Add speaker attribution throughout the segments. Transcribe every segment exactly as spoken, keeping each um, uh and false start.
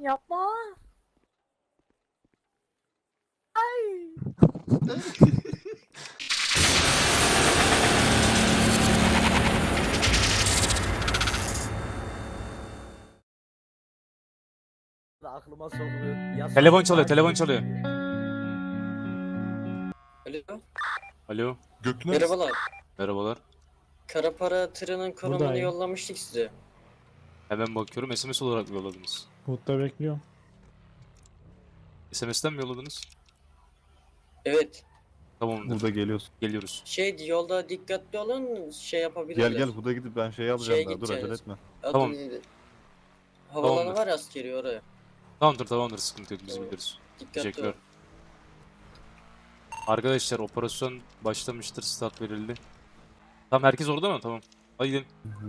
Speaker 1: Yapma. Ay. Aklıma sokuyor. Ya
Speaker 2: Telefon
Speaker 1: sonra-
Speaker 2: çalıyor, telefon çalıyor.
Speaker 3: Alo.
Speaker 2: Alo,
Speaker 4: Göktuğ neredesin?
Speaker 3: Merhabalar.
Speaker 2: merhabalar.
Speaker 3: Kara para tırının konumunu
Speaker 5: Buradayım.
Speaker 3: yollamıştık size.
Speaker 2: Hemen bakıyorum, S M S olarak mı yolladınız?
Speaker 5: Hut'ta bekliyorum.
Speaker 2: S M S'ten mi yolladınız?
Speaker 3: Evet.
Speaker 2: Tamamdır,
Speaker 6: Huda geliyorsun.
Speaker 2: geliyoruz.
Speaker 3: Şey yolda dikkatli olun şey yapabilirler.
Speaker 6: Gel gel Huda gidip ben şey alacağım
Speaker 3: Şeye
Speaker 6: daha. Dur acele
Speaker 3: gideceğiz.
Speaker 6: etme.
Speaker 3: Adı
Speaker 2: Tamam.
Speaker 3: neydi? Havalanı
Speaker 2: Tamamdır.
Speaker 3: var askeri oraya.
Speaker 2: Tamamdır, tamamdır, sıkıntı yok, biz
Speaker 3: Tamam.
Speaker 2: biliriz.
Speaker 3: Dikkatli
Speaker 2: Teşekkürler.
Speaker 3: olun.
Speaker 2: Arkadaşlar, operasyon başlamıştır, start verildi. Tamam, herkes orada mı? Tamam. Hadi gidelim.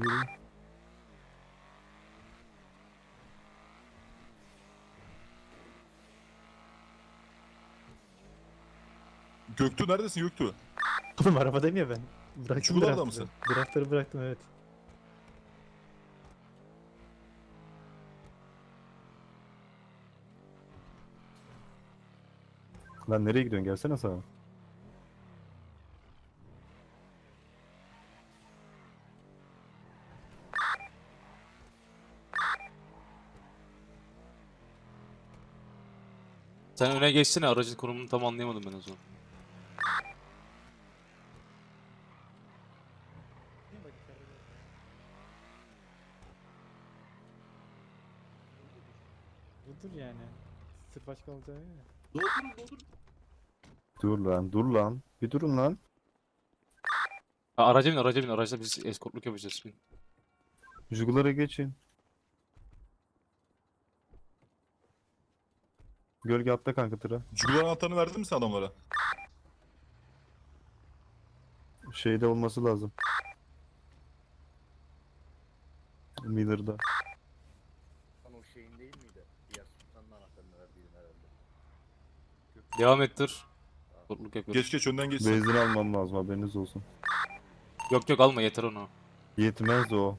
Speaker 4: Göktuğ neredesin Göktuğ?
Speaker 5: Oğlum arabadayım ya ben. Bıraktım
Speaker 4: Çukurlarda
Speaker 5: draftları.
Speaker 4: mısın?
Speaker 5: Draftları bıraktım evet.
Speaker 6: Lan nereye gidiyorsun? Gelsene sağa.
Speaker 2: Sen öne geçsene, aracın konumunu tam anlayamadım ben o zaman.
Speaker 5: Budur yani. Sırf aç kalacağı ya.
Speaker 6: Dur lan, dur lan. Bir durun lan.
Speaker 2: Ha, araca bin, araca bin, araçla biz eskortluk yapacağız. Bin.
Speaker 6: Jugulara geçin. Gölge atla kanka tıra.
Speaker 4: Jugular anahtarını verdin mi sen adamlara?
Speaker 6: Şeyde olması lazım. Miller'da.
Speaker 1: Lan o şeyin değil miydi? Diğer sultanın anahtarını verdiğin herhalde.
Speaker 2: Devam ettir. Eskortluk yapıyoruz.
Speaker 4: Geç geç önden geç. sen.
Speaker 6: Benzin almam lazım haberiniz olsun.
Speaker 2: Yok yok, alma, yeter onu.
Speaker 6: Yetmez o.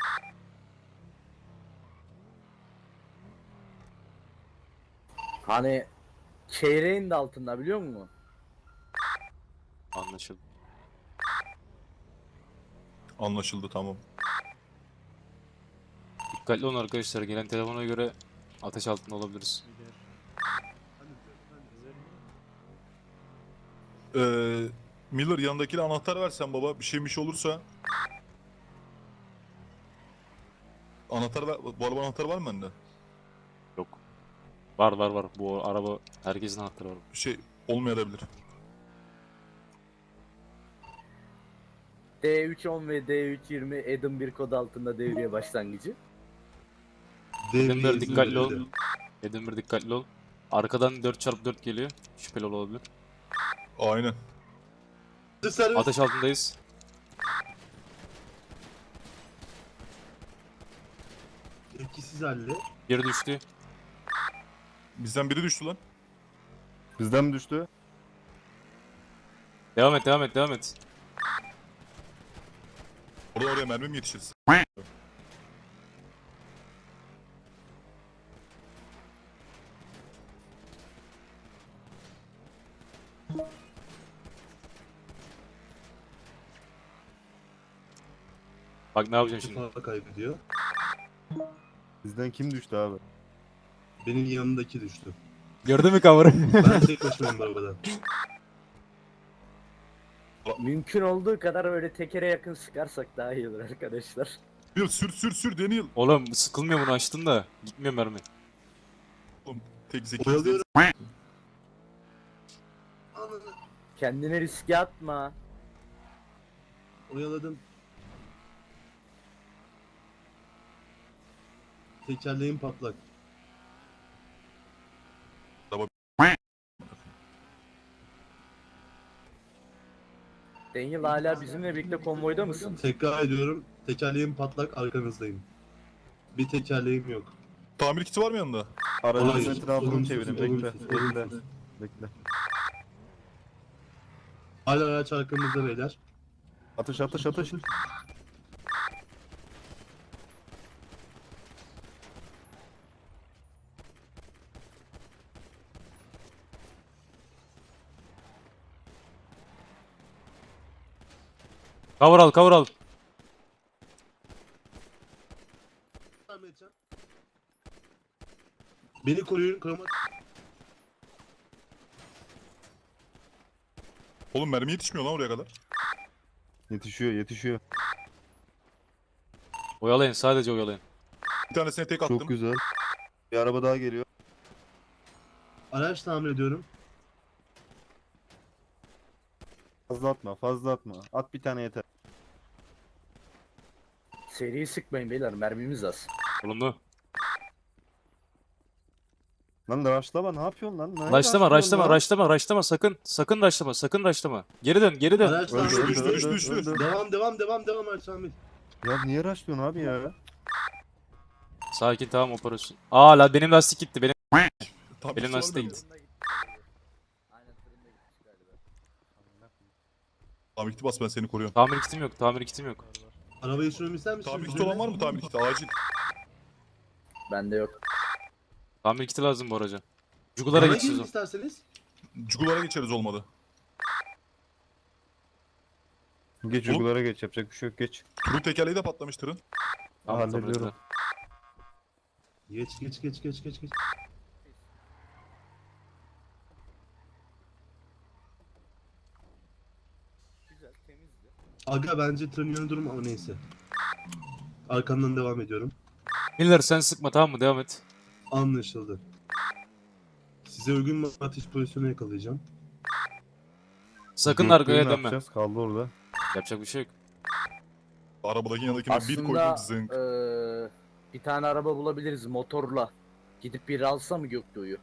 Speaker 1: Hani çeyreğin de altında biliyor musun?
Speaker 2: Anlaşıldı.
Speaker 4: Anlaşıldı tamam.
Speaker 2: Dikkatli olun arkadaşlar, gelen telefona göre ateş altında olabiliriz.
Speaker 4: Ee, Miller yanındakine anahtar versen baba. Bir şey bir şey olursa. Anahtar ver. Bu araba anahtarı var mı bende?
Speaker 2: Yok. Var var var, bu araba herkesin anahtarı var.
Speaker 4: Bir şey olmayabilir.
Speaker 1: D üç on ve D üç yirmi Adam bir kod altında devriye başlangıcı.
Speaker 2: Edinburgh dikkatli ol. Edinburgh dikkatli ol. Arkadan dört çarpı dört geliyor. Şüpheli olabilir.
Speaker 4: Aynen.
Speaker 2: Ateş altındayız.
Speaker 7: Etkisiz halde.
Speaker 2: Geri düştü.
Speaker 4: Bizden biri düştü lan.
Speaker 6: Bizden mi düştü?
Speaker 2: Devam et, devam et, devam et.
Speaker 4: Orada oraya mermi mi yetişir?
Speaker 2: Bak ne yapacağım şimdi.
Speaker 7: Defa kaybediyor.
Speaker 6: Bizden kim düştü abi?
Speaker 7: Benim yanımdaki düştü.
Speaker 2: Gördün mü cover'ı?
Speaker 7: Ben tek başımayım bu arabada.
Speaker 1: Mümkün olduğu kadar öyle tekere yakın sıkarsak daha iyi olur arkadaşlar.
Speaker 4: Daniel sür sür sür Daniel.
Speaker 2: Oğlum sıkılmıyor, bunu açtın da. Gitmiyor mermi.
Speaker 4: Tek zeki.
Speaker 7: Oyalıyorum.
Speaker 1: Kendine riske atma.
Speaker 7: Oyaladım. Tekerleğim patlak.
Speaker 1: Daniel hala bizimle birlikte konvoyda mısın?
Speaker 7: Tekrar ediyorum. Tekerleğim patlak, arkanızdayım. Bir tekerleğim yok.
Speaker 4: Tamir kiti var mı yanında?
Speaker 6: Aracın
Speaker 7: Hayır,
Speaker 6: etrafını
Speaker 7: olumsuz,
Speaker 6: çevirin. Bekle.
Speaker 7: olumsuz,
Speaker 6: Bekle.
Speaker 7: olumsuz.
Speaker 6: Bekle.
Speaker 7: Hala araç arkamızda beyler.
Speaker 6: Atış atış atış.
Speaker 2: Cover al, cover al.
Speaker 7: Ahmetcan. Beni koruyun. Koruma.
Speaker 4: Oğlum mermi yetişmiyor lan oraya kadar.
Speaker 6: Yetişiyor yetişiyor.
Speaker 2: Oyalayın, sadece oyalayın.
Speaker 4: Bir tanesine tek attım.
Speaker 6: Çok güzel. Bir araba daha geliyor.
Speaker 7: Araç tamir ediyorum.
Speaker 6: Fazla atma fazla atma. At bir tane yeter.
Speaker 1: Seriyi sıkmayın beyler, mermimiz az.
Speaker 2: Olumlu.
Speaker 6: Lan raşlama ne yapıyorsun lan? Ne
Speaker 2: Raşlama,
Speaker 6: raşlıyorsun
Speaker 2: raşlama,
Speaker 6: lan?
Speaker 2: raşlama, raşlama. Sakın, sakın raşlama, sakın raşlama. Geri dön, geri dön.
Speaker 7: Araç
Speaker 6: Öldü,
Speaker 7: tamir
Speaker 6: öldü,
Speaker 4: düştü,
Speaker 7: ediyorum.
Speaker 6: öldü,
Speaker 4: düştü, düştü.
Speaker 6: öldü.
Speaker 7: Devam devam devam devam Araç tamir.
Speaker 6: Ya niye raşlıyorsun abi ya?
Speaker 2: Sakin, tamam, operasyon. Aa la benim lastik gitti. Benim
Speaker 4: Tam
Speaker 2: Benim
Speaker 4: bir şey
Speaker 2: lastiğe
Speaker 4: var mı?
Speaker 2: gitti.
Speaker 1: Tırında gitti galiba. Aynen tırında gitmiş galiba.
Speaker 4: Tamir kiti bas, ben seni koruyorum.
Speaker 2: tamir kitim yok, tamir kitim yok.
Speaker 7: Arabayı sürmemi ister misiniz?
Speaker 4: Tamir kiti olan var mı? Tamir kiti acil.
Speaker 1: Bende yok.
Speaker 2: Tamir kiti lazım bu araca. Cugulara
Speaker 7: Bana
Speaker 2: geçeceğiz
Speaker 7: gelin
Speaker 2: o.
Speaker 7: isterseniz.
Speaker 4: Cugulara geçeriz olmadı.
Speaker 6: Geç
Speaker 4: Oğlum.
Speaker 6: uygulara geç yapacak bir şey yok geç.
Speaker 4: Turun tekerleği de patlamış tırın.
Speaker 2: Tamam, tamir
Speaker 6: Hallediyorum.
Speaker 2: ettiler.
Speaker 7: Geç geç geç geç geç geç.
Speaker 1: Güzel, temizdi.
Speaker 7: Aga bence tırın yönü durum ama neyse. Arkandan devam ediyorum.
Speaker 2: Miller sen sıkma, tamam mı? Devam et.
Speaker 7: Anlaşıldı. Size uygun bir atış pozisyonu yakalayacağım.
Speaker 2: Sakın
Speaker 6: Göktuğ'u
Speaker 2: arkaya
Speaker 6: ne
Speaker 2: dönme.
Speaker 6: yapacağız? Kaldı orada.
Speaker 2: Yapacak bir şey yok.
Speaker 4: Arabadaki yanındakine bir
Speaker 1: Aslında
Speaker 4: koydum zınk.
Speaker 1: eee, bir tane araba bulabiliriz motorla. Gidip biri alsa mı Göktuğ'u?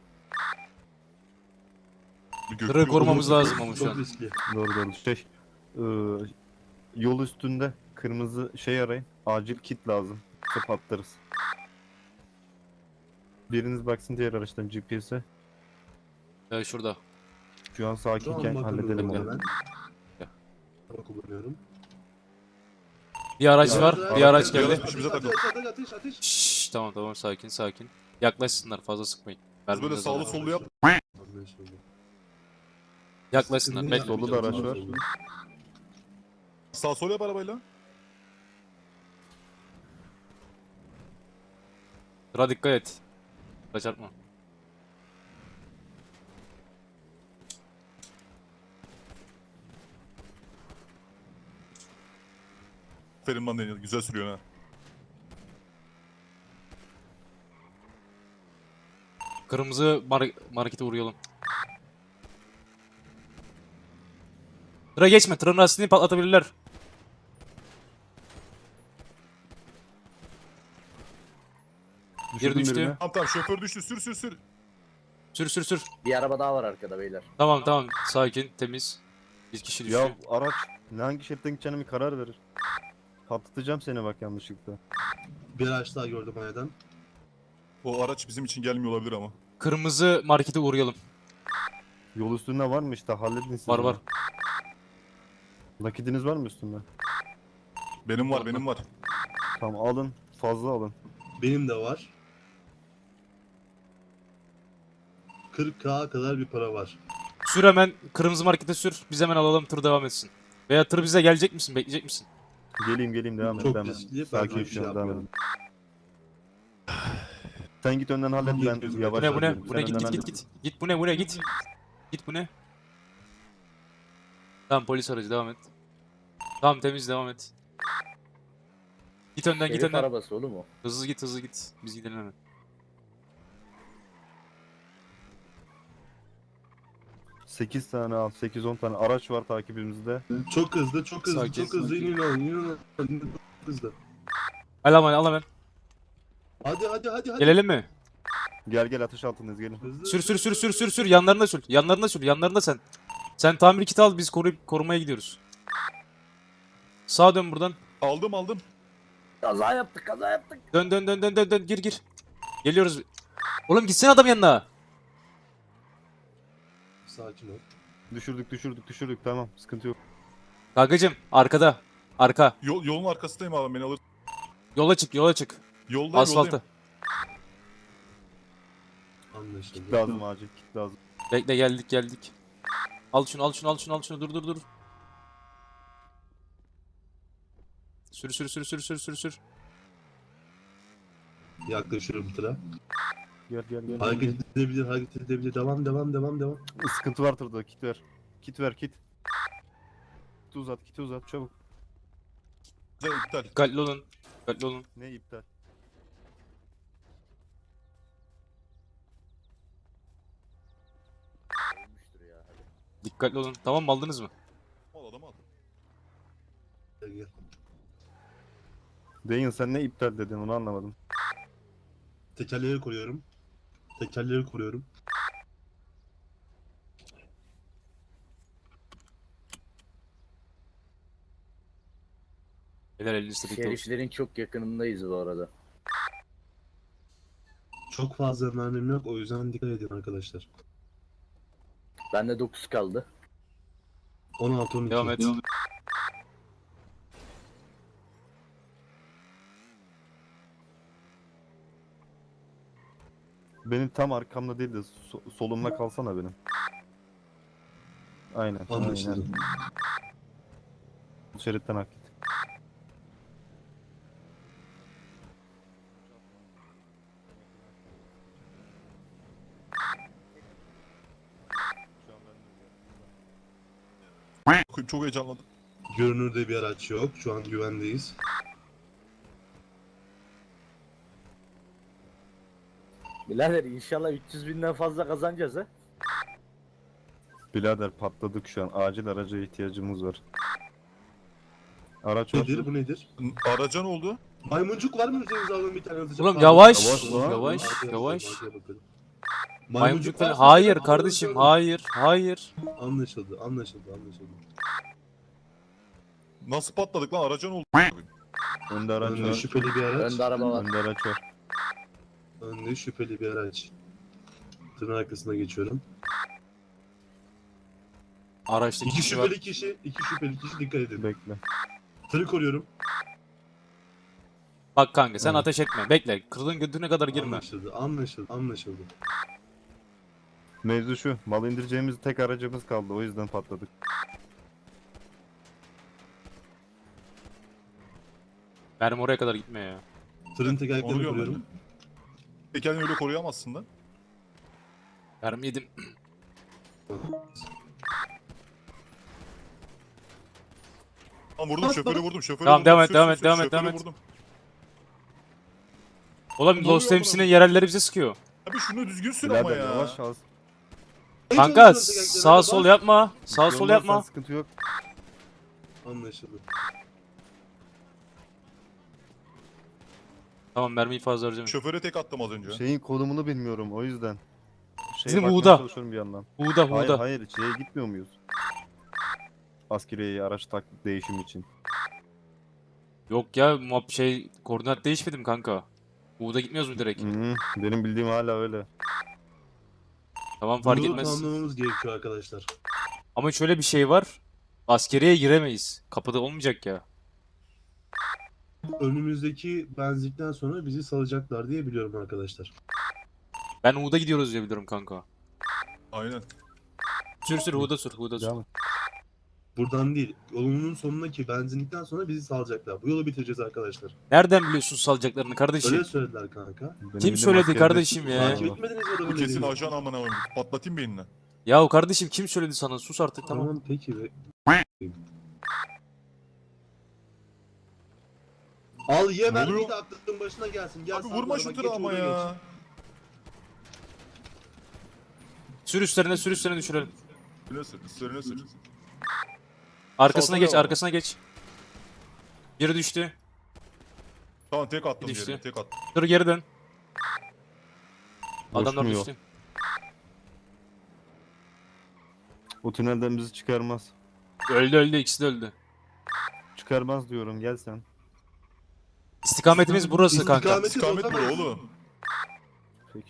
Speaker 4: Bir
Speaker 2: Tırı
Speaker 4: göktuğ
Speaker 2: korumamız
Speaker 4: yolu-
Speaker 2: lazım ama şu
Speaker 7: Çok
Speaker 2: an.
Speaker 7: riskli.
Speaker 6: Doğru doğru. Şey e, yol üstünde kırmızı şey arayın. Acil kit lazım. Tıp atlarız. Biriniz baksın diğer araçtan G P S'e.
Speaker 2: Ya şurada.
Speaker 6: Şu an sakinken
Speaker 7: Tamam,
Speaker 6: halledelim
Speaker 7: bakıyorum
Speaker 6: onu.
Speaker 7: hemen.
Speaker 2: Gel.
Speaker 7: Araba kullanıyorum.
Speaker 2: Bir araç
Speaker 7: Araç-
Speaker 2: var, bir araç
Speaker 4: Bir
Speaker 2: geldi.
Speaker 4: araç peşimize
Speaker 7: Ateş,
Speaker 4: takıl.
Speaker 7: ateş, ateş, ateş.
Speaker 2: Şşş, tamam tamam, sakin sakin. Yaklaşsınlar, fazla sıkmayın.
Speaker 4: Biz
Speaker 2: Mermimiz
Speaker 4: böyle sağlı
Speaker 2: azalıyor.
Speaker 4: sollu yap.
Speaker 7: Anlaşıldı.
Speaker 2: Yaklaşsınlar.
Speaker 7: Sıkıntı
Speaker 2: Bekle.
Speaker 7: yok.
Speaker 6: Solda da araç var.
Speaker 4: Sağ sol yap arabayla.
Speaker 2: Sıra dikkat et. Sıra çarpma.
Speaker 4: Aferin lan Daniel, güzel sürüyorsun ha.
Speaker 2: Kırmızı mar markete uğrayalım. Tıra geçme. Tırın lastiğini patlatabilirler.
Speaker 6: Düşürdüm
Speaker 2: düştü.
Speaker 6: birini.
Speaker 4: Tamam tamam, şoför düştü, sür sür sür.
Speaker 2: Sür sür sür.
Speaker 1: Bir araba daha var arkada beyler.
Speaker 2: Tamam tamam. Sakin, temiz. Bir kişi düştü.
Speaker 6: Ya araç ne hangi şeritten gideceğine bir karar verir. Patlatacağım seni bak yanlışlıkla.
Speaker 7: Bir araç daha gördüm ayadan.
Speaker 4: O araç bizim için gelmiyor olabilir ama.
Speaker 2: Kırmızı markete uğrayalım.
Speaker 6: Yol üstünde var mı işte halledin siz.
Speaker 2: Var
Speaker 6: onu.
Speaker 2: var.
Speaker 6: Nakitiniz var mı üstünde?
Speaker 4: Benim var, benim var.
Speaker 6: Tamam alın. Fazla alın.
Speaker 7: Benim de var. kırk K kadar bir para var.
Speaker 2: Sür hemen. Kırmızı markete sür. Biz hemen alalım. Tır devam etsin. Veya tır bize gelecek misin? Bekleyecek misin?
Speaker 6: Geleyim geleyim devam et.
Speaker 7: Çok
Speaker 6: devam et.
Speaker 7: riskli, ben
Speaker 6: Sakin
Speaker 7: bir şey
Speaker 6: şu an devam
Speaker 7: yapmıyorum.
Speaker 6: edin. Sen git önden hallet ben
Speaker 7: Bu ne,
Speaker 6: yavaş
Speaker 2: Bu ne bu ne?
Speaker 6: yapıyorum.
Speaker 2: Bu
Speaker 6: Sen
Speaker 2: ne? Git
Speaker 6: önden
Speaker 2: git git
Speaker 6: hallet.
Speaker 2: git. Git bu ne bu ne? Git. Git bu ne? Tamam, polis aracı, devam et. Tamam, temiz, devam et. Git önden, git
Speaker 1: Herif
Speaker 2: önden.
Speaker 1: arabası oğlum o.
Speaker 2: Hızlı git, hızlı git. Biz gidelim hemen.
Speaker 6: sekiz tane al. sekiz on tane araç var takibimizde.
Speaker 7: Çok hızlı, çok hızlı,
Speaker 2: Sakin,
Speaker 7: çok hızlı
Speaker 2: sakin.
Speaker 7: inin alın, inin alın. Çok hızlı.
Speaker 2: Al hemen, al hemen.
Speaker 7: Hadi hadi hadi hadi.
Speaker 2: Gelelim mi?
Speaker 6: Gel gel atış altındayız gelin.
Speaker 7: Hızlı,
Speaker 2: Sür sür
Speaker 7: hızlı,
Speaker 2: sür sür
Speaker 7: hızlı.
Speaker 2: sür sür. Yanlarına sür. Yanlarına sür. Yanlarında sen. Sen tamir kiti al, biz koruyup korumaya gidiyoruz. Sağa dön buradan.
Speaker 4: Aldım aldım.
Speaker 1: Kaza yaptık, kaza yaptık.
Speaker 2: Dön dön dön dön dön dön. Gir gir. Geliyoruz. Oğlum gitsene adam yanına.
Speaker 7: Sakin ol.
Speaker 6: Düşürdük düşürdük düşürdük tamam sıkıntı yok.
Speaker 2: Kankacım arkada. Arka.
Speaker 4: Yol, yolun arkasındayım abi, beni alır.
Speaker 2: Yola çık, yola çık.
Speaker 4: Yoldayım,
Speaker 2: Asfalta.
Speaker 4: yoldayım.
Speaker 7: Anlaşıldı.
Speaker 6: Kit lazım acil kit lazım.
Speaker 2: Bekle, geldik geldik. Al şunu al şunu al şunu al şunu. Dur dur dur. Sür sür sür sür sür sür sür.
Speaker 7: Yaklaşıyorum tıra.
Speaker 6: Gel gel gel.
Speaker 7: Hareket edebilir, hareket edebilir. Devam, devam, devam, devam.
Speaker 6: Sıkıntı var tırda. Kit ver. Kit ver kit. Kit uzat, kit uzat çabuk.
Speaker 4: Güzel iptal.
Speaker 2: Dikkatli olun. Dikkatli olun.
Speaker 6: Ne iptal?
Speaker 1: Ölmüştür ya. Hadi.
Speaker 2: Dikkatli olun. Tamam mı, aldınız mı?
Speaker 4: Al adam al.
Speaker 7: Gel, gel.
Speaker 6: Daniel sen ne iptal dedin onu anlamadım.
Speaker 7: Tekerleri koruyorum. Tekerleri koruyorum.
Speaker 2: Beyler elinizde dikkat olun.
Speaker 1: Şeriflerin çok yakınındayız bu arada.
Speaker 7: Çok fazla mermim yok, o yüzden dikkat edin arkadaşlar.
Speaker 1: Bende dokuz kaldı.
Speaker 7: on altı on iki.
Speaker 2: Devam et.
Speaker 6: Benim tam arkamda değil de so- solumda kalsana benim. Aynen.
Speaker 7: Anlaşıldı.
Speaker 6: Aynen. Şeritten hak et.
Speaker 4: Çok- Çok heyecanlandım.
Speaker 7: Görünürde bir araç yok. Şu an güvendeyiz.
Speaker 1: Birader inşallah üç yüz binden fazla kazanacağız ha.
Speaker 6: Birader patladık şu an. Acil araca ihtiyacımız var. Araç var.
Speaker 7: Nedir bu nedir?
Speaker 4: Araca ne oldu?
Speaker 7: Maymuncuk var mı üzerinizde alalım bir tane hızlıca?
Speaker 2: Oğlum
Speaker 7: Pardon.
Speaker 2: yavaş.
Speaker 6: Yavaş lan.
Speaker 2: Yavaş.
Speaker 7: Arkaya
Speaker 2: Yavaş.
Speaker 7: bakalım, arkaya bakalım.
Speaker 2: Maymuncuk falan.
Speaker 7: varsa
Speaker 2: Hayır
Speaker 7: alalım,
Speaker 2: kardeşim.
Speaker 7: alalım.
Speaker 2: Hayır. Hayır.
Speaker 7: Anlaşıldı, anlaşıldı, anlaşıldı.
Speaker 4: Nasıl patladık lan? Araca ne oldu?
Speaker 6: Önde araç
Speaker 7: Önde
Speaker 6: var.
Speaker 7: şüpheli bir araç.
Speaker 1: Önde araba var.
Speaker 6: Önde araç var.
Speaker 7: Önde şüpheli bir araç. Tırın arkasına geçiyorum.
Speaker 2: Araçta
Speaker 7: İki
Speaker 2: kişi var.
Speaker 7: şüpheli kişi, iki şüpheli kişi dikkat edin.
Speaker 6: Bekle.
Speaker 7: Tırı koruyorum.
Speaker 2: Bak kanka sen
Speaker 6: Evet.
Speaker 2: ateş etme. Bekle. Kırılın götüne kadar girme.
Speaker 7: Anlaşıldı, anlaşıldı, anlaşıldı.
Speaker 6: Mevzu şu. Mal indireceğimiz tek aracımız kaldı. O yüzden patladık.
Speaker 2: Mermi oraya kadar gitme ya.
Speaker 7: Tırın
Speaker 4: Onu
Speaker 7: tekerleklerini
Speaker 4: diyorum ben de.
Speaker 7: koruyorum.
Speaker 4: E kendini öyle koruyamazsın lan.
Speaker 2: Mermi yedim.
Speaker 4: Tamam vurdum
Speaker 7: Bas,
Speaker 4: şoförü
Speaker 7: bas.
Speaker 4: vurdum şoförü
Speaker 2: Tamam,
Speaker 4: vurdum.
Speaker 2: devam et,
Speaker 4: Sür,
Speaker 2: devam
Speaker 4: sür,
Speaker 2: et,
Speaker 4: sür,
Speaker 2: devam et,
Speaker 4: şoförü
Speaker 2: devam et.
Speaker 4: vurdum.
Speaker 2: Oğlum
Speaker 4: Ne
Speaker 2: Lost
Speaker 4: oluyor
Speaker 2: Ems'inin
Speaker 4: buna?
Speaker 2: yerelleri bize sıkıyor.
Speaker 4: Abi şunu düzgün sür ama
Speaker 6: Birader
Speaker 4: ya.
Speaker 6: yavaş az.
Speaker 2: Kanka
Speaker 7: Hiç olmazsa
Speaker 2: sağ
Speaker 7: tekerleklerine
Speaker 2: sol
Speaker 7: bas.
Speaker 2: yapma. Sağ
Speaker 6: Bir
Speaker 2: sol
Speaker 6: olmazsa
Speaker 2: yapma.
Speaker 6: Sıkıntı yok.
Speaker 7: Anlaşıldı.
Speaker 2: Tamam mermiyi fazla harcamayın.
Speaker 4: Şoföre tek attım az önce.
Speaker 6: Şeyin konumunu bilmiyorum o yüzden. Şeye
Speaker 2: Bizim
Speaker 6: bakmaya
Speaker 2: Uğur'da.
Speaker 6: çalışıyorum bir yandan.
Speaker 2: Huğda
Speaker 6: Hayır
Speaker 2: huğda.
Speaker 6: hayır şeye gitmiyor muyuz? Askeriye araç taklit değişim için.
Speaker 2: Yok ya muhab şey koordinat değişmedi mi kanka? Huğda gitmiyoruz mu direkt?
Speaker 6: Hı -hı. Benim bildiğim hala öyle.
Speaker 2: Tamam fark
Speaker 7: Bunu
Speaker 2: etmez.
Speaker 7: tamamlamamız gerekiyor arkadaşlar.
Speaker 2: Ama şöyle bir şey var. Askeriye giremeyiz. Kapıda olmayacak ya.
Speaker 7: Önümüzdeki benzinlikten sonra bizi salacaklar diye biliyorum arkadaşlar.
Speaker 2: Ben Huğda gidiyoruz diye biliyorum kanka.
Speaker 4: Aynen.
Speaker 2: Sür sür Huğda sür Huğda sür.
Speaker 6: Devam et.
Speaker 7: Buradan değil, yolunun sonundaki benzinlikten sonra bizi salacaklar. Bu yolu bitireceğiz arkadaşlar.
Speaker 2: Nereden biliyorsun salacaklarını kardeşim?
Speaker 7: Öyle söylediler kanka.
Speaker 6: Benim
Speaker 2: Kim
Speaker 6: bildiğim
Speaker 2: söyledi
Speaker 6: askerde-
Speaker 2: kardeşim ya?
Speaker 7: Takip etmediniz mi adamın
Speaker 4: Bu kesin
Speaker 7: dediğini?
Speaker 4: ajan amına koyayım. Patlatayım beynine.
Speaker 2: Yahu kardeşim kim söyledi sana? Sus artık tamam.
Speaker 7: Tamam peki be. Al ye
Speaker 4: Ne
Speaker 7: mermiyi
Speaker 4: oluyor?
Speaker 7: de aklın başına gelsin. Gel
Speaker 4: Abi
Speaker 7: sen
Speaker 4: vurma
Speaker 7: bana,
Speaker 4: şu
Speaker 7: bak,
Speaker 4: tırı
Speaker 7: geç
Speaker 4: ama
Speaker 7: oraya
Speaker 4: ya.
Speaker 2: Sür üstlerine sür üstlerine düşürelim.
Speaker 4: Üstüne sür, üstüne sür.
Speaker 2: Arkasına
Speaker 4: Salsana
Speaker 2: geç
Speaker 4: ama.
Speaker 2: arkasına geç. Biri düştü.
Speaker 4: Tamam tek attım
Speaker 2: Düştü.
Speaker 4: yerine, tek attım.
Speaker 2: Dur geri dön. Adamlar
Speaker 6: Boşmuyor.
Speaker 2: düştü.
Speaker 6: O tünelden bizi çıkarmaz.
Speaker 2: Öldü öldü ikisi de öldü.
Speaker 6: Çıkarmaz diyorum gel sen.
Speaker 2: İstikametimiz burası kanka.
Speaker 7: İstikameti
Speaker 4: İstikamet bura
Speaker 7: bozamayız.
Speaker 4: oğlum.
Speaker 6: Peki.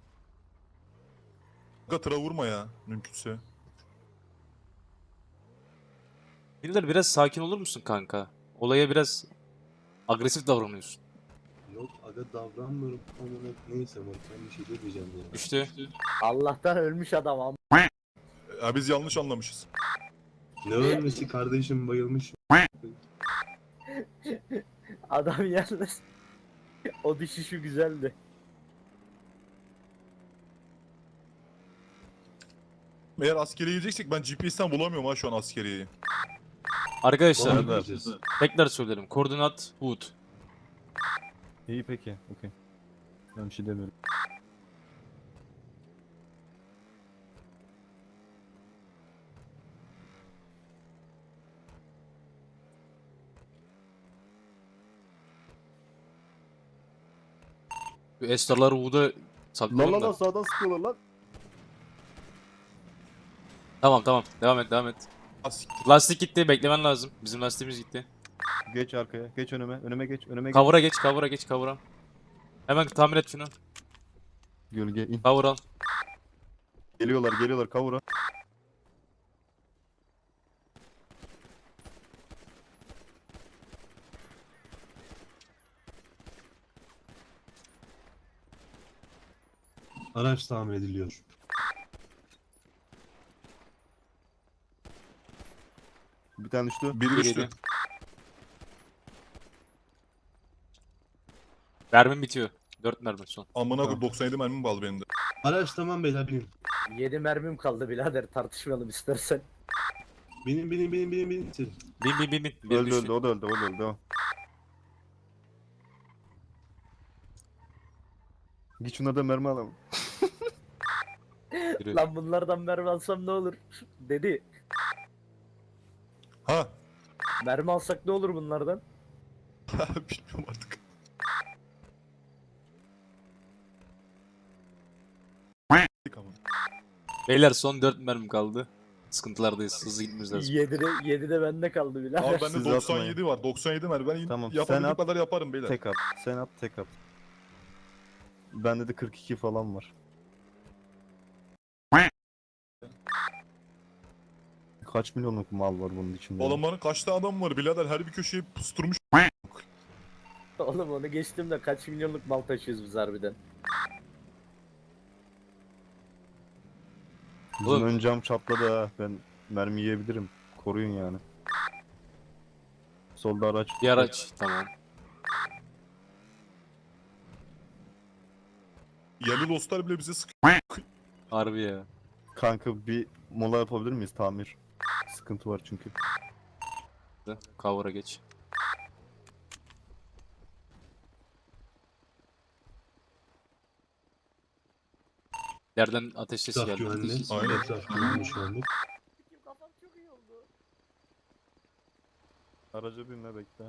Speaker 4: Kanka tıra vurma ya mümkünse.
Speaker 2: Birileri biraz sakin olur musun kanka? Olaya biraz agresif davranıyorsun.
Speaker 7: Yok aga davranmıyorum. Ama neyse bak ben bir şey demeyeceğim ya.
Speaker 2: Düştü.
Speaker 1: Allah'tan ölmüş adam ama.
Speaker 4: Ya biz yanlış anlamışız.
Speaker 7: Ne ölmesi kardeşim bayılmış.
Speaker 1: Adam yalnız. O düşüşü güzeldi.
Speaker 4: Eğer askeriye gideceksek ben G P S'ten bulamıyorum ha şu an askeriyeyi.
Speaker 2: Arkadaşlar
Speaker 7: Sonra
Speaker 6: Serdar.
Speaker 7: gideceğiz.
Speaker 2: tekrar söylerim. Koordinat Wood.
Speaker 6: İyi peki. Okey. Ben bir şey demiyorum.
Speaker 2: Bu Estar'ları Wood'a
Speaker 6: Lan
Speaker 2: saklayalım
Speaker 6: lan
Speaker 2: da.
Speaker 6: lan sağdan sıkıyorlar lan.
Speaker 2: Tamam tamam. Devam et devam et.
Speaker 4: Ask-
Speaker 2: Lastik gitti. Beklemen lazım. Bizim lastiğimiz gitti.
Speaker 6: Geç arkaya. Geç önüme. Önüme geç. Önüme geç.
Speaker 2: Kavura geç. Kavura geç. Kavura. Hemen tamir et şunu.
Speaker 6: Gölge in.
Speaker 2: Kavur al.
Speaker 6: Geliyorlar geliyorlar kavura.
Speaker 7: Araç tamir ediliyor.
Speaker 6: Bir tane düştü.
Speaker 4: Biri düştü.
Speaker 2: Geliyor. Mermim bitiyor. dört mermi son.
Speaker 4: Amına koyayım
Speaker 6: Tamam.
Speaker 4: doksan yedi mermim kaldı benim de.
Speaker 7: Araç tamam beyler binin.
Speaker 1: yedi mermim kaldı birader, tartışmayalım istersen.
Speaker 7: Binin binin binin binin binin. Binin.
Speaker 2: Bin bin bin bin. Biri
Speaker 6: Öldü
Speaker 2: düştü.
Speaker 6: öldü o da öldü o da öldü. Devam. Git şuna da mermi alalım.
Speaker 2: Yürü.
Speaker 1: Lan bunlardan mermi alsam ne olur? Dedi.
Speaker 4: Ha.
Speaker 1: Mermi alsak ne olur bunlardan?
Speaker 4: Bilmiyorum artık.
Speaker 2: Beyler son dört mermim kaldı. Sıkıntılardayız. Hızlı gitmemiz lazım.
Speaker 1: yedi de, yedi de bende kaldı birader.
Speaker 4: Abi bende
Speaker 6: Siz
Speaker 4: doksan
Speaker 6: atmayın.
Speaker 4: yedi var. doksan yedi mermi. Ben
Speaker 6: Tamam, sen
Speaker 4: yapabildiğim
Speaker 6: at.
Speaker 4: kadar yaparım beyler.
Speaker 6: Tek at. Sen at tek at. Bende de kırk iki falan var. Kaç milyonluk mal var bunun içinde?
Speaker 4: Adamların kaç tane adam var birader, her bir köşeye pusturmuş.
Speaker 1: Oğlum onu geçtim de kaç milyonluk mal taşıyoruz biz harbiden.
Speaker 6: Bizim
Speaker 2: Oğlum.
Speaker 6: ön cam çatladı ha. Ben mermi yiyebilirim. Koruyun yani. Solda araç.
Speaker 2: Bir araç. Tamam.
Speaker 4: Yerli dostlar bile bize sıkıyor.
Speaker 2: Harbi ya.
Speaker 6: Kanka bir mola yapabilir miyiz? Tamir. Sıkıntı var çünkü.
Speaker 2: Kavura geç. Yerden ateş sesi
Speaker 7: Etraf
Speaker 2: geldi.
Speaker 7: güvenli.
Speaker 4: Aynen.
Speaker 7: Etraf güvenli şu anlık.
Speaker 1: Kafam çok iyi oldu.
Speaker 6: Araca binme bekle.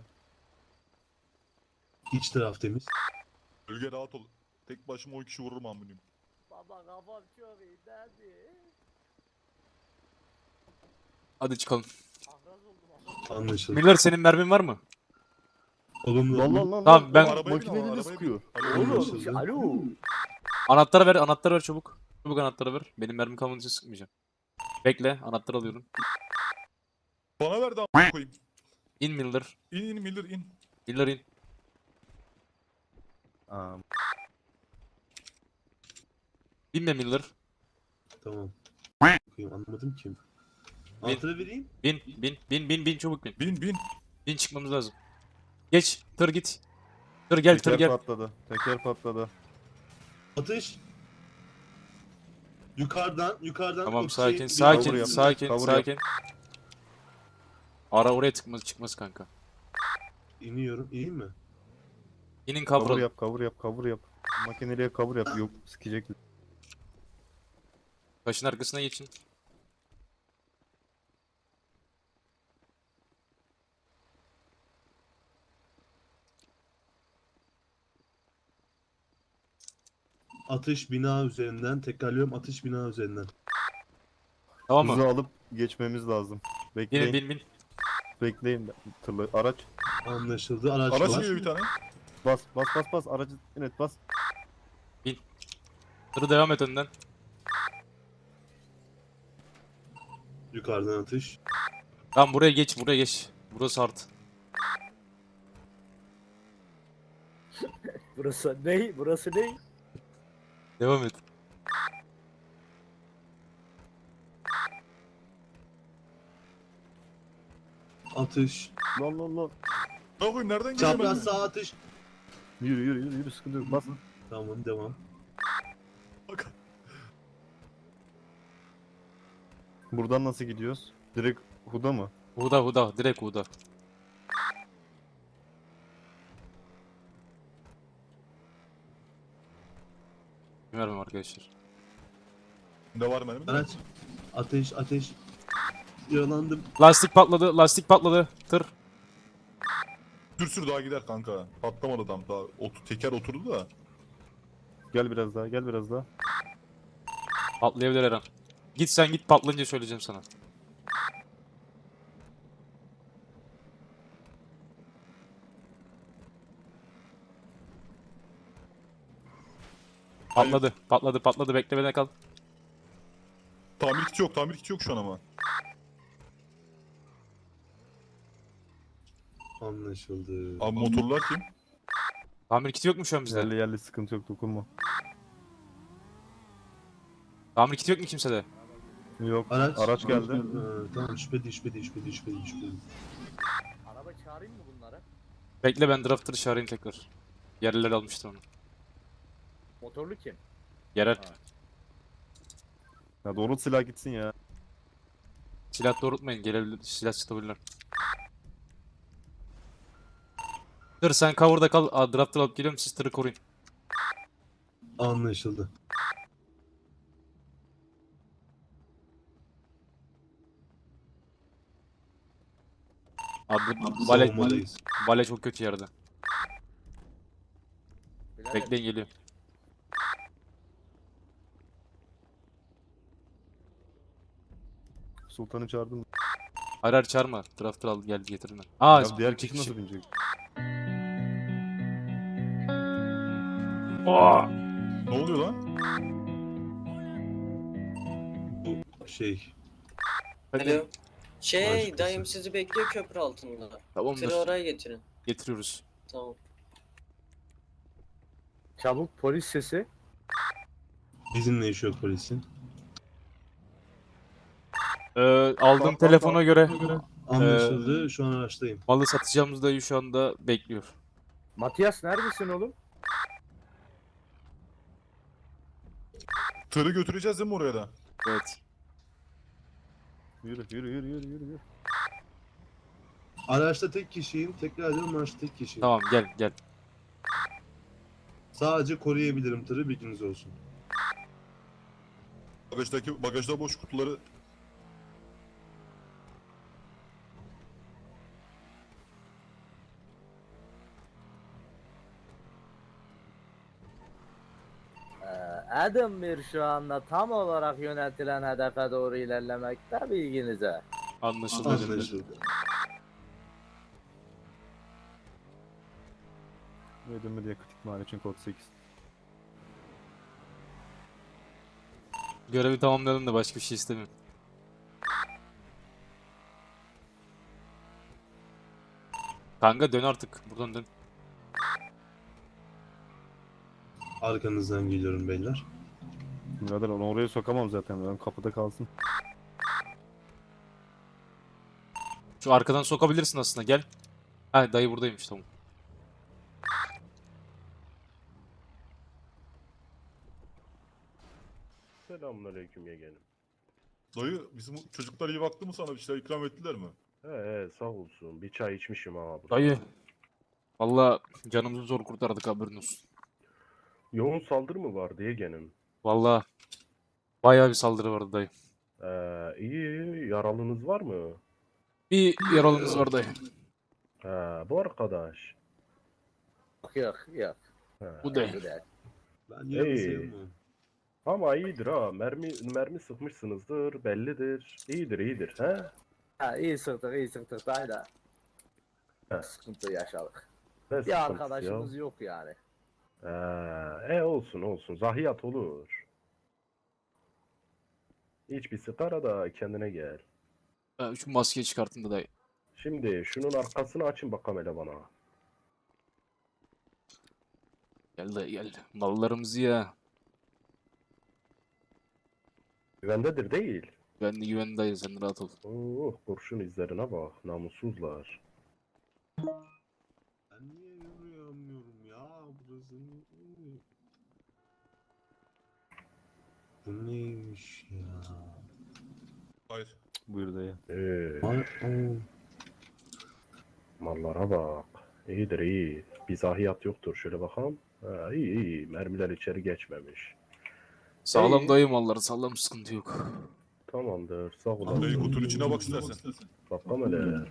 Speaker 7: İç taraf temiz.
Speaker 4: Bölge rahat ol. Tek başıma on kişi vururum amınıyım.
Speaker 1: Baba kafam çok iyi hadi.
Speaker 2: Hadi çıkalım.
Speaker 1: Ahraz oldum ahraz.
Speaker 7: Anlaşıldı.
Speaker 2: Miller senin mermin var mı?
Speaker 7: Olumlu.
Speaker 6: Lan lan lan.
Speaker 2: Tamam,
Speaker 6: lan,
Speaker 2: ben-
Speaker 6: lan,
Speaker 4: Arabaya bin ama,
Speaker 6: makineyle
Speaker 4: arabaya
Speaker 6: sıkıyor.
Speaker 4: bin. Alo,
Speaker 1: Oğlum
Speaker 7: Anlaşıldı.
Speaker 1: alo.
Speaker 2: Anahtarı ver, anahtarı ver çabuk. Çabuk anahtarı ver. Benim mermim kalmadığı sıkmayacağım. Bekle, anahtarı alıyorum.
Speaker 4: Bana ver de amına koyayım.
Speaker 2: İn Miller.
Speaker 4: İn in Miller in.
Speaker 2: Miller in.
Speaker 6: Aa,
Speaker 2: Binme Miller.
Speaker 7: Tamam. Bakayım, anlamadım ki. Anahtarı vereyim.
Speaker 2: Bin, bin, bin, bin, bin çabuk bin.
Speaker 4: Bin bin.
Speaker 2: Bin çıkmamız lazım. Geç, tır git. Tır gel, tır
Speaker 6: teker
Speaker 2: gel.
Speaker 6: patladı. Teker patladı.
Speaker 7: Atış. Yukarıdan, yukarıdan.
Speaker 2: Tamam
Speaker 7: o
Speaker 2: sakin,
Speaker 7: şey-
Speaker 2: sakin,
Speaker 6: cover yap,
Speaker 2: sakin,
Speaker 6: cover yap.
Speaker 2: sakin. Ara oraya tıkmaz, çıkmaz kanka.
Speaker 7: İniyorum, ineyim mi?
Speaker 2: İnin
Speaker 6: Cover
Speaker 2: kavralım.
Speaker 6: yap, cover yap, cover yap. Makineliye cover yap. Yok sikecek.
Speaker 2: Taşın arkasına geçin.
Speaker 7: Atış bina üzerinden. Tekrarlıyorum, atış bina üzerinden.
Speaker 2: Tamam
Speaker 6: Hızı
Speaker 2: mı?
Speaker 6: alıp geçmemiz lazım.
Speaker 2: Bin,
Speaker 6: Bekleyin,
Speaker 2: bin, bin.
Speaker 6: bekleyin. Tırlı araç.
Speaker 7: Anlaşıldı. Araç,
Speaker 4: Araç
Speaker 7: var.
Speaker 4: geliyor bir tane.
Speaker 6: Bas, bas, bas, bas. Aracı evet bas.
Speaker 2: Tırı devam et önden.
Speaker 7: Yukarıdan atış.
Speaker 2: Tamam buraya geç, buraya geç. Burası hard.
Speaker 1: Burası ne? Burası ne?
Speaker 2: Devam et.
Speaker 7: Atış.
Speaker 6: Lan lan lan.
Speaker 4: Ne koyayım nereden geliyor
Speaker 7: Çapraz
Speaker 4: benim?
Speaker 7: sağ atış.
Speaker 6: Yürü yürü yürü yürü sıkıntı yok. Bas.
Speaker 7: Tamam devam.
Speaker 4: Bak.
Speaker 6: Buradan nasıl gidiyoruz? Direkt Huda mı?
Speaker 2: Huda Huda. Direkt Huda. Bilmiyorum arkadaşlar.
Speaker 4: Ne var benim?
Speaker 7: Araç. Ateş ateş. Yaralandım.
Speaker 2: Lastik patladı. Lastik patladı. Tır.
Speaker 4: Sür sür daha gider kanka. Patlamadı tam daha. Otu, teker oturdu da.
Speaker 6: Gel biraz daha gel biraz daha.
Speaker 2: Patlayabilir her an. Git sen git patlayınca söyleyeceğim sana. Patladı. Patladı patladı. Beklemede kal.
Speaker 4: Tamir kiti yok tamir kiti yok şu an ama.
Speaker 7: Anlaşıldı.
Speaker 4: Abi motorlar kim?
Speaker 2: Tamir kiti yok mu şu an bizde?
Speaker 6: Yerli yerli sıkıntı yok dokunma.
Speaker 2: Tamir kiti yok mu kimsede?
Speaker 6: Yok.
Speaker 7: Araç.
Speaker 6: Araç geldi.
Speaker 7: Ha, tamam şüphe değil şüphe değil şüphe değil şüphe değil şüphe değil.
Speaker 1: Araba çağırayım mı bunlara?
Speaker 2: Bekle ben drafter'ı çağırayım tekrar. Yerliler almıştır onu.
Speaker 1: Motorlu kim?
Speaker 2: Yerel.
Speaker 6: Ya doğru silah gitsin ya.
Speaker 2: Silah doğrultmayın. Gelebilir. Silah çıkabilirler. Dur sen cover'da kal. Aa, drafter alıp geliyorum. Siz tırı koruyun.
Speaker 7: Anlaşıldı.
Speaker 2: Abi bu vale,
Speaker 7: Savunmadayız.
Speaker 2: vale çok kötü yerde.
Speaker 1: Birader,
Speaker 2: Bekleyin geliyor.
Speaker 6: Sultan'ı çağırdım.
Speaker 2: Hayır hayır çağırma. Drafter al gel getirin. Aa
Speaker 6: Ya diğer kişi
Speaker 2: kişi.
Speaker 6: nasıl binecek?
Speaker 2: Aa!
Speaker 4: Ne oluyor lan?
Speaker 7: Şey.
Speaker 2: Hadi.
Speaker 3: Alo. Şey
Speaker 7: Başkası.
Speaker 3: dayım sizi bekliyor köprü altında. Tırı
Speaker 2: Tamamdır.
Speaker 3: oraya getirin.
Speaker 2: Getiriyoruz.
Speaker 3: Tamam.
Speaker 1: Çabuk polis sesi.
Speaker 7: Bizimle iş yok polisin.
Speaker 2: Ee, aldığım telefona göre
Speaker 7: Anlaşıldı. Şu an araçtayım.
Speaker 2: malı satacağımız dayı şu anda bekliyor.
Speaker 1: Matias neredesin oğlum?
Speaker 4: Tırı götüreceğiz değil mi oraya da?
Speaker 2: Evet.
Speaker 6: Yürü yürü yürü yürü yürü. yürü.
Speaker 7: Araçta tek kişiyim. Tekrar ediyorum araçta tek kişiyim.
Speaker 2: Tamam gel gel.
Speaker 7: Sadece koruyabilirim tırı bilginiz olsun.
Speaker 4: Bagajdaki bagajda boş kutuları
Speaker 1: Ee, Adam bir şu anda tam olarak yöneltilen hedefe doğru ilerlemekte bilginize.
Speaker 2: Anlaşıldı.
Speaker 7: Anlaşıldı.
Speaker 6: Ödeme diye kritik mal için kod sekiz.
Speaker 2: Görevi tamamlayalım da başka bir şey istemiyorum. Kanka dön artık. Buradan dön.
Speaker 7: Arkanızdan geliyorum beyler.
Speaker 6: Birader onu oraya sokamam zaten. Ben kapıda kalsın.
Speaker 2: Şu arkadan sokabilirsin aslında gel. Ha dayı buradaymış tamam.
Speaker 8: Selamünaleyküm yeğenim.
Speaker 4: dayı bizim çocuklar iyi baktı mı sana bir şeyler ikram ettiler mi?
Speaker 8: He he sağ olsun. Bir çay içmişim ha burada.
Speaker 2: Dayı. Valla canımızı zor kurtardık haberin olsun.
Speaker 8: Yoğun saldırı mı vardı yeğenim?
Speaker 2: Valla bayağı bir saldırı vardı dayı.
Speaker 8: Ee, iyi yaralınız var mı?
Speaker 2: Bir yaralımız var dayı.
Speaker 8: He bu arkadaş.
Speaker 1: Yok yok yok.
Speaker 8: He.
Speaker 2: Bu değil.
Speaker 1: Bu değil.
Speaker 7: Ben yarın
Speaker 8: Hey.
Speaker 7: sayılmam.
Speaker 8: Ama iyidir ha. Mermi mermi sıkmışsınızdır bellidir. İyidir iyidir he.
Speaker 1: Ha, iyi sıktık iyi sıktık dayı da.
Speaker 8: He.
Speaker 1: Sıkıntı yaşadık.
Speaker 8: Ne
Speaker 1: Bir
Speaker 8: sıkıntısı
Speaker 1: arkadaşımız
Speaker 8: ya?
Speaker 1: yok yani.
Speaker 8: Ee, e olsun olsun. Zahiyat olur. Hiç bir sigara da kendine gel.
Speaker 2: Ha, şu maskeyi çıkartın da dayı.
Speaker 8: Şimdi şunun arkasını açın bakalım hele bana.
Speaker 2: Gel dayı gel. Mallarımızı ya.
Speaker 8: Güvendedir değil.
Speaker 2: Güvenli güvenli dayı sen rahat ol.
Speaker 8: Oh kurşun izlerine bak namussuzlar.
Speaker 7: Bu neymiş ya?
Speaker 4: Hayır.
Speaker 6: Buyur dayı.
Speaker 8: Ee,
Speaker 7: Ay, o.
Speaker 8: mallara bak. İyidir iyi. Bir zahiyat yoktur. Şöyle bakalım. Ha, iyi iyi. Mermiler içeri geçmemiş.
Speaker 2: Sağlam
Speaker 8: İyi.
Speaker 2: dayı malları sağlam, sıkıntı yok.
Speaker 8: Tamamdır. Sağ
Speaker 4: Dayı
Speaker 8: olasın.
Speaker 4: kutunun içine bak istersen.
Speaker 8: Bakalım hele.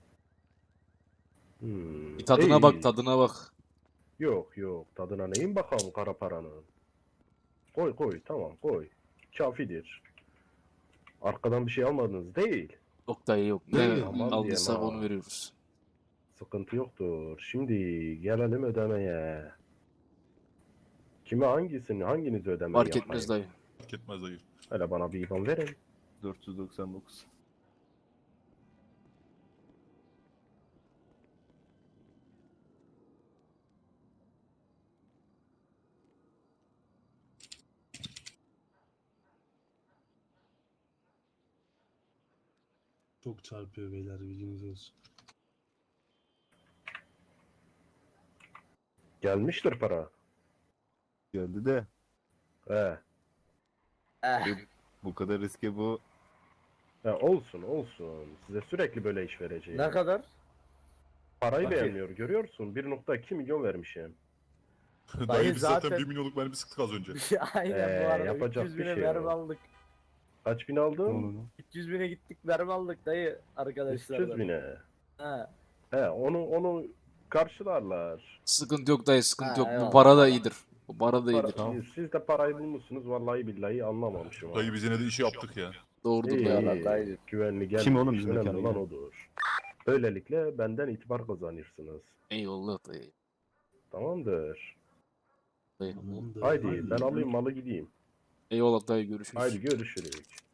Speaker 8: Hmm,
Speaker 2: Bir tadına
Speaker 8: iyi.
Speaker 2: bak, tadına bak.
Speaker 8: Yok yok. Tadına neyin bakalım kara paranın. Koy koy. Tamam koy. Kafidir. Arkadan bir şey almadınız değil.
Speaker 2: Yok dayı yok.
Speaker 7: Dayı,
Speaker 2: Ne
Speaker 8: aman
Speaker 2: aldıysak
Speaker 8: diyeyim ha.
Speaker 2: onu veriyoruz.
Speaker 8: Sıkıntı yoktur. Şimdi gelelim ödemeye. Kime hangisini, hanginizi ödemeyi
Speaker 2: Fark
Speaker 8: yapayım?
Speaker 2: etmez dayı.
Speaker 4: Fark etmez dayı.
Speaker 8: Hele bana bir İban verin.
Speaker 6: dört yüz doksan dokuz.
Speaker 7: Çok çarpıyor beyler, bilginiz olsun.
Speaker 8: Gelmiştir para.
Speaker 6: Geldi de
Speaker 8: He.
Speaker 1: Eh,
Speaker 6: bu kadar riske bu
Speaker 8: He, olsun olsun. Size sürekli böyle iş vereceğim.
Speaker 1: ne kadar?
Speaker 8: Parayı
Speaker 6: Bak-
Speaker 8: beğenmiyor görüyorsun. bir nokta iki milyon vermişim.
Speaker 4: Dayı biz zaten
Speaker 1: zaten-
Speaker 4: bir milyonluk mermi sıktık az önce.
Speaker 1: Aynen
Speaker 8: Ee,
Speaker 1: bu arada
Speaker 8: yapacak
Speaker 1: üç yüz
Speaker 8: bir
Speaker 1: bine
Speaker 8: şey
Speaker 1: mermi
Speaker 8: yok.
Speaker 1: aldık.
Speaker 8: Kaç bin aldın?
Speaker 6: onu
Speaker 1: üç yüz bine gittik mermi aldık dayı
Speaker 8: üç
Speaker 1: arkadaşlar.
Speaker 8: yüz bine.
Speaker 1: Ha.
Speaker 8: He, onu onu karşılarlar.
Speaker 2: Sıkıntı yok dayı, sıkıntı
Speaker 1: Ha,
Speaker 2: yok. Bu
Speaker 1: eyvallah.
Speaker 2: para da iyidir. Bu para da
Speaker 8: Para-
Speaker 2: iyidir.
Speaker 6: Tamam.
Speaker 8: Siz de parayı bulmuşsunuz. Vallahi billahi anlamamışım. ha.
Speaker 4: Dayı biz yine de işi yaptık ya.
Speaker 2: Doğrudur
Speaker 8: İyi,
Speaker 2: dayı.
Speaker 1: Eyvallah, dayı.
Speaker 8: güvenli gel.
Speaker 6: Kim oğlum bizim
Speaker 8: Önemli
Speaker 6: mekana
Speaker 8: olan
Speaker 6: gelen?
Speaker 8: odur. Böylelikle benden itibar kazanırsınız.
Speaker 2: Eyvallah dayı.
Speaker 8: Tamamdır.
Speaker 2: dayı.
Speaker 7: Tamamdır.
Speaker 8: Haydi ben alayım malı gideyim.
Speaker 2: Eyvallah dayı, görüşürüz.
Speaker 8: Haydi görüşürüz.